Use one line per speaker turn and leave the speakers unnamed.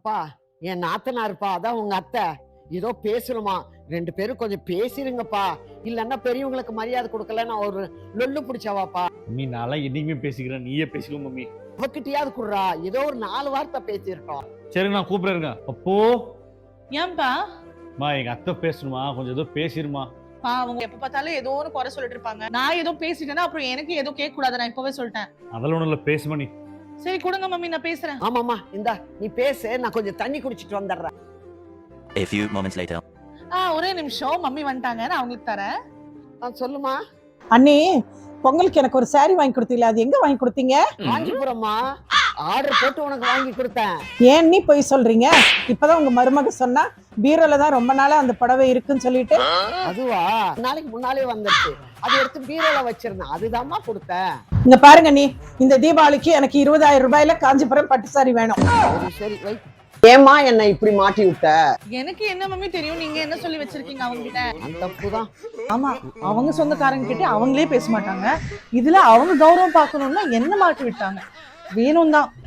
அப்பா என் நாத்தனாருப்பா, அதான் உங்க அத்தை ஏதோ பேசணுமா, 2 பேரும் கொஞ்சம் பேசிருங்கப்பா, இல்லன்னா பெரியவங்களுக்கு மரியாதை கொடுக்கல நான் ஒரு லொல்லு பிடிச்சவாப்பா.
மம்மி நான்லாம் என்னைக்குமே பேசிக்கிறேன், நீயே பேசிக்கோ மம்மி.
அவகிட்டயாவது குடுறா, ஏதோ ஒரு 4 வார்த்தை பேசிருக்கோம்.
சரி நான் கூப்பிடுறேங்க. அப்போ
ஏன்பா
மா எங்க அத்தை பேசணுமா, கொஞ்சம் ஏதோ பேசிருமா.
அவங்க எப்ப பார்த்தாலும் ஏதோ ஒரு குறை சொல்லிட்டு இருப்பாங்க. நான் ஏதோ பேசிட்டேன்னா அப்புறம் எனக்கு ஏதோ கேட்க கூடாது. நான் இப்பவே சொல்லிட்டேன்.
அதெல்லாம் ஒண்ணும் இல்ல, பேசுமா நீ.
சரி கொடுங்க மம்மி, நான் பேசுறேன்.
ஆமாமா, இந்தா நீ பேசு, நான் கொஞ்சம் தண்ணி குடிச்சிட்டு வந்துடுறேன்.
A few moments later.
ஒரே நிமிஷம், மம்மி வந்துட்டாங்க, நான் அவங்களுக்கு தரேன்.
சொல்லுமா.
அண்ணி, பொங்கலுக்கு எனக்கு ஒரு saree வாங்கி கொடுத்தீங்களா, அது எங்க வாங்கி கொடுத்தீங்க?
காஞ்சிபுரம்மா, ஆர்டர் போட்டு உனக்கு வாங்கி கொடுத்தேன்.
ஏன் நீ போய் சொல்றீங்க? இப்பதான் உங்க மருமக சொன்னா பீரோல தான் ரொம்ப நாளா அந்த புடவை இருக்குன்னு சொல்லிட்டு.
அதுவா, நாளைக்கு முன்னாலே வந்துருச்சு, அதை எடுத்து பீரோல வச்சிருந்தேன், அதுதாம்மா கொடுத்தேன்.
இங்க பாருங்க நீ, இந்த தீபாவளிக்கு எனக்கு 20,000 ரூபாயில காஞ்சிபுரம் பட்டு சாரி வேணும்.
சரி வை. ஏமா என்ன இப்படி மாட்டி விட்ட?
எனக்கு என்ன மம்மி தெரியும், நீங்க என்ன சொல்லி வச்சிருக்கீங்க அவங்க கிட்ட?
அந்த தப்புதான்.
ஆமா, அவங்க சொந்தக்காரங்க கிட்ட அவங்களே பேச மாட்டாங்க. இதுல அவங்க கௌரவம் பார்க்கணும்னா என்ன மாட்டி விட்டாங்க. வேணும் தான்.